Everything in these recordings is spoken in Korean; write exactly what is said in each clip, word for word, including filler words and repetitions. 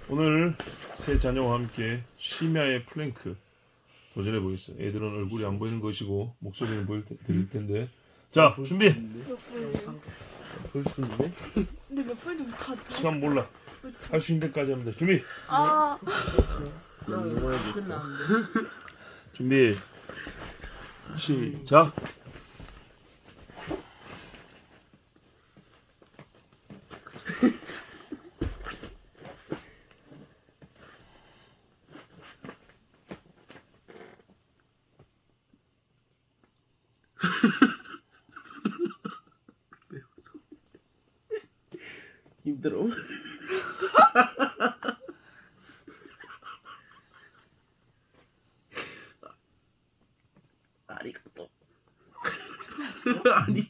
오늘 세 자녀와 함께 심야의 플랭크 도전해 보겠습니다. 애들은 얼굴이 안 보이는 것이고 목소리는 보일 테, 들릴 텐데. 자, 준비. 몇 분이에요? 볼수 있네? 근데 몇 분인지 다 줘. 시간 몰라. 할 수 있는 데까지 하면 돼. 준비. 아, 넘어야겠어. 준비. 시작. 힘들어? 아리가또. 아니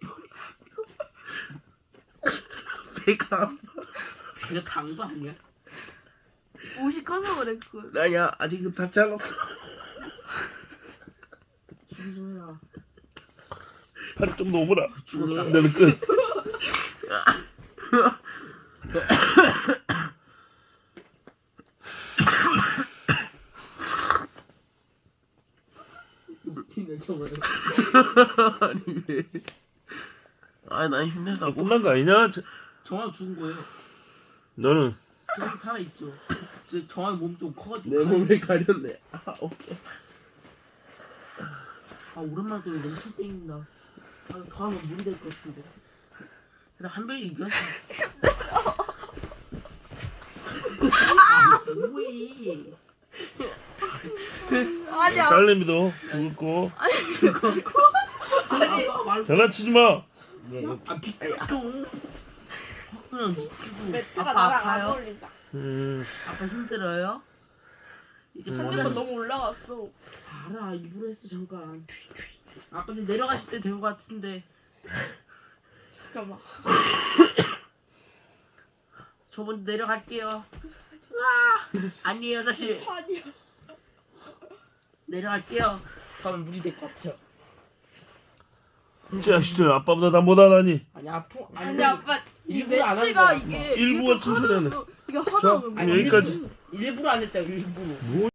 배가 아파. 이거 당도 아니야? 옷이 커서 그래 그거. 아니야 아직은 다 잘랐어. 준수야 팔이 좀 더 오므라. 죽었다. 나는 끝. 웃기네 정말. 아니 왜? 아나 힘들다고. 끝난 거 아니냐? 저- 정말 죽은 거예요. 너는 저기 살아 있죠. 저 정말 몸 좀 커가지고. 내 몸에 가렸네. 아 오케이. 아 오랜만에 또 너무 술 땡긴다. 아 더 하면 물이 될 것 같은데. 일단 한 병이 이겼어. 아 뭐해? 아니야. 딸내미도 죽을 거. 아니 말. 장난치지 마. 네. 아 비켜 좀. 그냥 비키고. 매트가 아빠 나랑 안 아파요? 어울린다. 음, 아빠 힘들어요? 이제 음. 근데 손대고 너무 올라갔어. 알아 입으로 했어 잠깐. 아 근데 내려가실 때 된 것 같은데. 잠깐만. 저 먼저 내려갈게요. 와 아니에요 사실 아니야. 내려갈게요. 가면 물이 될 것 같아요. 자식들 아빠보다 나 못하다니. 아니 아프 아니 아빠 이 일부러 안한 매트가 거야, 이게 일부가 이렇게 투수라네. 하나- 이게 자, 하나면 아니, 여기까지. 일부러 안 했다 일부러. 뭐